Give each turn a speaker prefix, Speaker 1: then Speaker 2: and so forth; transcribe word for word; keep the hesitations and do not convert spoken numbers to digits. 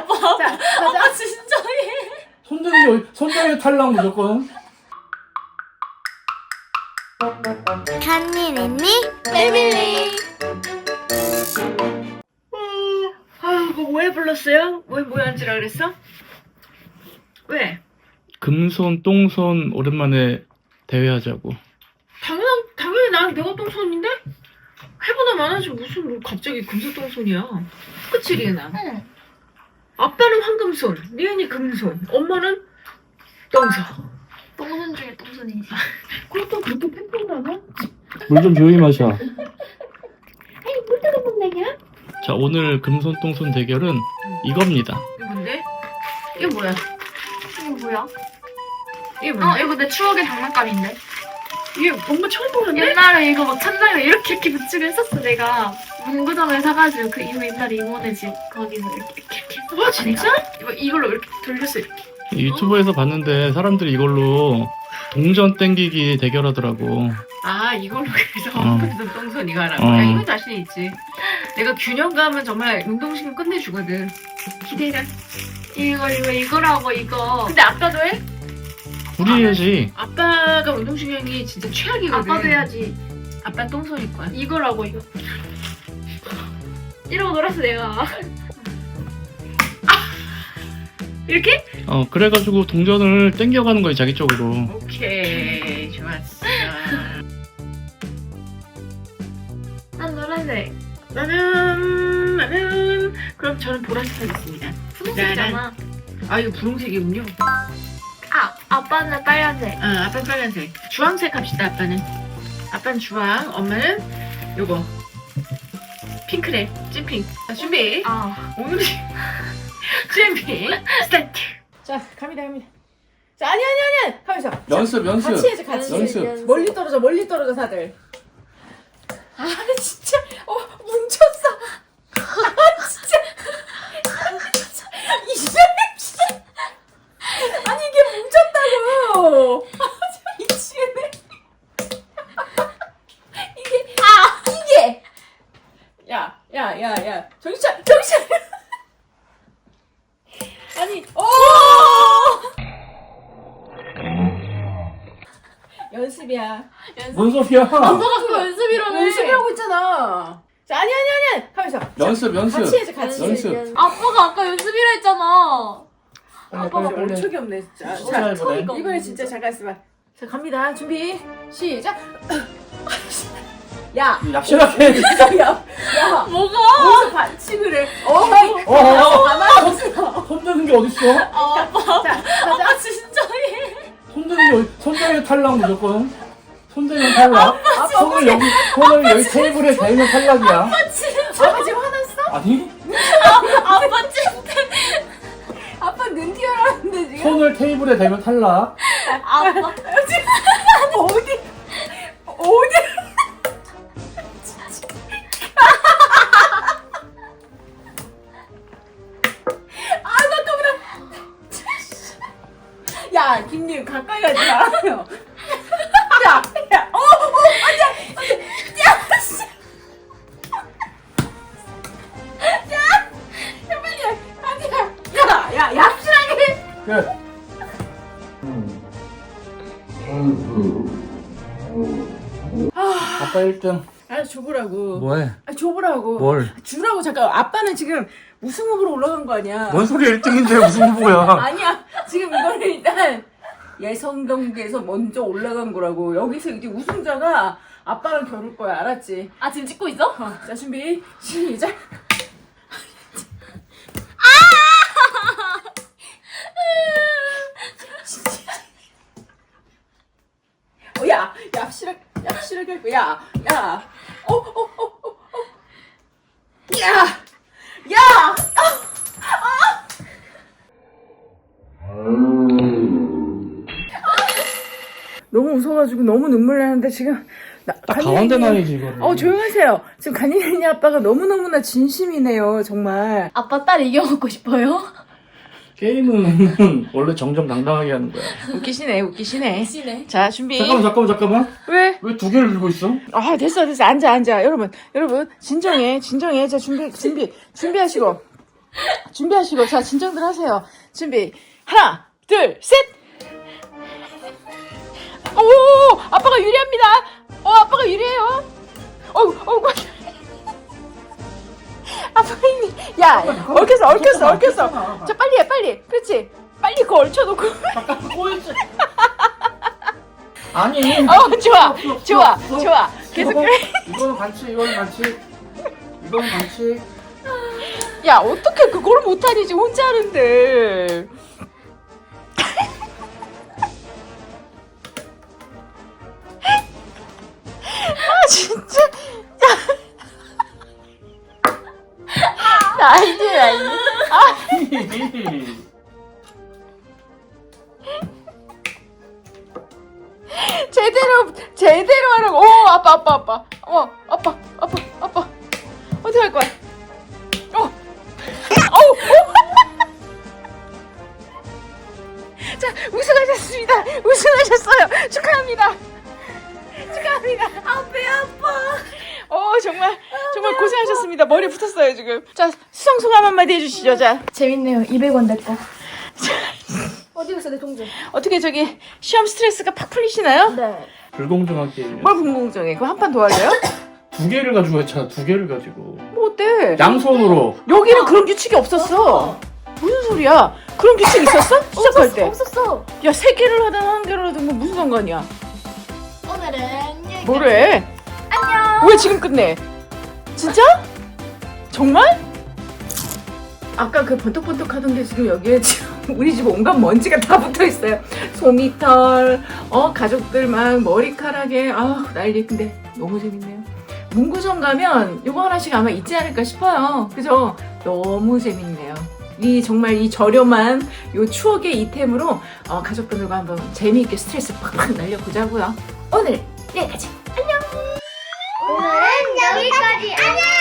Speaker 1: 아빠.
Speaker 2: 자, 가자.
Speaker 1: 아빠 진짜해.
Speaker 3: 손들이 손들이 탈락 무조건.
Speaker 4: 간니 nen니
Speaker 1: 패밀리.
Speaker 2: 아유, 그거 왜 불렀어요? 왜 뭐야 앉으라 그랬어? 왜?
Speaker 3: 금손 똥손 오랜만에 대회하자고.
Speaker 2: 당연한, 당연히 난 내가 똥손인데? 해보다 많아지 무슨 뭐 갑자기 금손똥손이야. 그치 리은아?
Speaker 1: 응.
Speaker 2: 아빠는 황금손, 리은이 금손, 엄마는 똥손.
Speaker 1: 똥손 중에 똥손이지.
Speaker 2: 그것도 그렇게 팬통 나가?
Speaker 3: 물 좀 조용히 마셔.
Speaker 2: 아니 물 따라 본다냐?
Speaker 3: 자, 오늘 금손 똥손 대결은 이겁니다.
Speaker 2: 이게 뭔데? 이게 뭐야?
Speaker 1: 이거 뭐야?
Speaker 2: 이게
Speaker 1: 어
Speaker 2: 뭔데?
Speaker 1: 이거 내 추억의 장난감인데.
Speaker 2: 이게 엄마 처음 보는데?
Speaker 1: 옛날에 이거 막 천장에 이렇게 이렇게 붙이고 했었어 내가. 문구점에 사가지고 그 이모 옛날에 이모네 집 거기서 이렇게 이렇게 이렇게 했었어.
Speaker 2: 와 진짜?
Speaker 1: 이거 이걸로 이렇게 돌렸어 이렇게.
Speaker 3: 유튜브에서 봤는데 사람들이 이걸로 동전 땡기기 대결하더라고.
Speaker 2: 아 이걸로 그래서
Speaker 3: 어.
Speaker 2: 황금손 똥손 이거 하라고?
Speaker 3: 어.
Speaker 2: 야 이거 자신 있지. 내가 균형감은 정말 운동신경 끝내주거든. 기대해라.
Speaker 1: 이거 이거 이거라고 이거.
Speaker 2: 근데 아빠도 해?
Speaker 3: 우리 해야지.
Speaker 2: 아빠가 운동신경이 진짜 최악이거든.
Speaker 1: 아빠도 해야지.
Speaker 2: 아빠 똥손일 거야.
Speaker 1: 이거라고 이거. 이러고 놀았어 내가.
Speaker 2: 이렇게?
Speaker 3: 어, 그래가지고 동전을 땡겨가는 거야, 자기 쪽으로.
Speaker 2: 오케이 좋았어.
Speaker 1: 난 노란색.
Speaker 2: 나는 나는 그럼 저는 보라색 하겠습니다.
Speaker 1: 분홍색이잖아.
Speaker 2: 아 이거 분홍색이군요.
Speaker 1: 아 아빠는 빨간색.
Speaker 2: 아 아빠는 빨간색. 주황색 합시다. 아빠는. 아빠는 주황. 엄마는 요거 핑크색. 찐핑. 자, 준비.
Speaker 1: 아
Speaker 2: 오늘 준비 스타트. 자 갑니다 갑니다. 자 아니 아니 아니 하면서
Speaker 3: 연습, 연습.
Speaker 2: 같이 해줘 같이.
Speaker 3: 연습.
Speaker 2: 멀리 떨어져 멀리 떨어져 다들. 아 진짜 어 뭉쳤어. 아 진짜. 이 사람 진짜. 아니 이게 뭉쳤다고. 아 미치겠네. 이게 아 이게. 야 야 야 야 정신 차려 정신 차려. 아니 오. 연습이야.
Speaker 3: 뭔 소리야?
Speaker 1: 아빠가 그거 연습이라며.
Speaker 2: 연습하고 있잖아. 자, 아니, 아니, 아니. 하면서.
Speaker 3: 연습, 연습.
Speaker 2: 같이 해줘, 같이.
Speaker 3: 연습.
Speaker 1: 아빠가 아까 연습이라 했잖아.
Speaker 3: 빨리,
Speaker 2: 아빠가
Speaker 3: 빨리, 빨리.
Speaker 2: 멈춰이 없네, 진짜.
Speaker 3: 진짜
Speaker 2: 자,
Speaker 3: 해보네.
Speaker 2: 이번에 진짜 잠깐 있어봐. 자, 갑니다. 준비. 시작. 야.
Speaker 3: 얍실하게.
Speaker 2: 야. 야.
Speaker 1: 뭐가?
Speaker 2: 어디서 반칙을 해. 어이.
Speaker 3: 어, 어,
Speaker 2: 가만히 있어.
Speaker 3: 손 드는 게 어딨어?
Speaker 1: 아, 아빠.
Speaker 2: 자, 가자.
Speaker 1: 아빠 진짜 해.
Speaker 3: 손들이 손들이 탈락 무조건. 손들이 탈락. 손을 여기 손을 여기 테이블에 대면 탈락이야.
Speaker 1: 아빠 진짜.
Speaker 2: 아빠 지금 화났어?
Speaker 3: 아니?
Speaker 1: 아빠 진짜.
Speaker 2: 아빠 눈 튀어나왔는데 지금.
Speaker 3: 손을 테이블에 대면 탈락.
Speaker 1: 아빠.
Speaker 2: 어디? 어디? 아 잠깐만. 야 김님 가까이 가지 마. 야, 야, 어, 어, 앉아, 앉아. 야, 씨. 야, 야 빨리, 앉아. 야, 야, 얍실하게.
Speaker 3: 그래. 아빠 일 등.
Speaker 2: 아, 줘보라고.
Speaker 3: 뭐해?
Speaker 2: 아, 줘보라고.
Speaker 3: 뭘?
Speaker 2: 주라고 잠깐. 아빠는 지금 우승 후보로 올라간 거 아니야?
Speaker 3: 뭔 소리 일 등인데 무슨 후보야?
Speaker 2: 아니야. 지금 이거는 일단 예선 경기에서 먼저 올라간 거라고. 여기서 이제 우승자가 아빠랑 겨룰 거야. 알았지?
Speaker 1: 아 지금 찍고 있어?
Speaker 2: 어, 자, 준비. 시작. 어, 야, 얍실하게, 얍실하게 할 거야. 야, 야. 어, 어, 어, 어, 어. 야, 야. 너무 웃어가지고 너무 눈물 나는데 지금 나,
Speaker 3: 딱 가운데 나야지 이거를.
Speaker 2: 어 조용하세요. 지금 간이네 아빠가 너무너무나 진심이네요 정말.
Speaker 1: 아빠 딸 이겨먹고 싶어요?
Speaker 3: 게임은 원래 정정당당하게 하는 거야.
Speaker 2: 웃기시네 웃기시네.
Speaker 1: 시네.
Speaker 2: 자 준비.
Speaker 3: 잠깐만 잠깐만 잠깐만.
Speaker 2: 왜?
Speaker 3: 왜 두 개를 들고 있어?
Speaker 2: 아 됐어 됐어 앉아 앉아 여러분 여러분 진정해 진정해. 자 준비 준비 준비하시고 준비하시고 자 진정들 하세요. 준비 하나 둘 셋. 오 아빠가 유리합니다. 어 아빠가 유리해요. 어우 어우 아빠가 힘이 야 얽혔어 얽혔어 얽혔어. 자 빨리 해 빨리. 그렇지 빨리 그거 얽혀놓고.
Speaker 3: 잠깐 꼬였지. 아니.
Speaker 2: 어 좋아
Speaker 3: 없어,
Speaker 2: 좋아
Speaker 3: 없어.
Speaker 2: 좋아 계속
Speaker 3: 이거,
Speaker 2: 그래.
Speaker 3: 이거는 반칙, 이거는 반칙. 이거는 반칙.
Speaker 2: 야 어떻게 그걸 못하니 지금 혼자 하는데. 아 진짜 나 이제 나 이제 아 제대로 제대로 하라고. 오 아빠 아빠 아빠 어 아빠 아빠 아빠 어떻게 할 거야? 어 어우 자 우승하셨습니다. 우승하셨어요. 축하합니다. 축하합니다. 아 배 아파. 어 정말 정말 고생하셨습니다. 머리 붙었어요 지금. 자 수상 소감 한마디 해주시죠. 자
Speaker 1: 재밌네요. 이백 원 내 거. 어디 갔어 내 동전?
Speaker 2: 어떻게 저기 시험 스트레스가 팍 풀리시나요?
Speaker 1: 네.
Speaker 3: 불공정한 게임.
Speaker 2: 뭘 궁금증해? 그거 한 판 더 할래요?
Speaker 3: 두 개를 가지고 했잖아, 두 개를 가지고.
Speaker 2: 뭐 어때?
Speaker 3: 양손으로.
Speaker 2: 여기는 그런 규칙이 없었어. 무슨 소리야? 그런 규칙 있었어? 시작할 때.
Speaker 1: 없었어.
Speaker 2: 야 세 개를 하든 한 개를 하든 뭐 무슨 상관이야?
Speaker 1: 오늘은 여기까지.
Speaker 2: 뭐래?
Speaker 1: 안녕.
Speaker 2: 왜 지금 끝내? 진짜? 정말? 아까 그 번떡번떡 하던 게 지금 여기에 지금 우리 집 온갖 먼지가 다 붙어 있어요. 소미털, 어 가족들 막 머리카락에 아 난리. 근데 너무 재밌네요. 문구점 가면 요거 하나씩 아마 있지 않을까 싶어요. 그죠? 너무 재밌네요. 이 정말 이 저렴한 요 추억의 이템으로 어, 가족분들과 한번 재미있게 스트레스 팍팍 날려보자고요. 오늘 여기까지.
Speaker 4: 오늘은 여기까지. 안녕.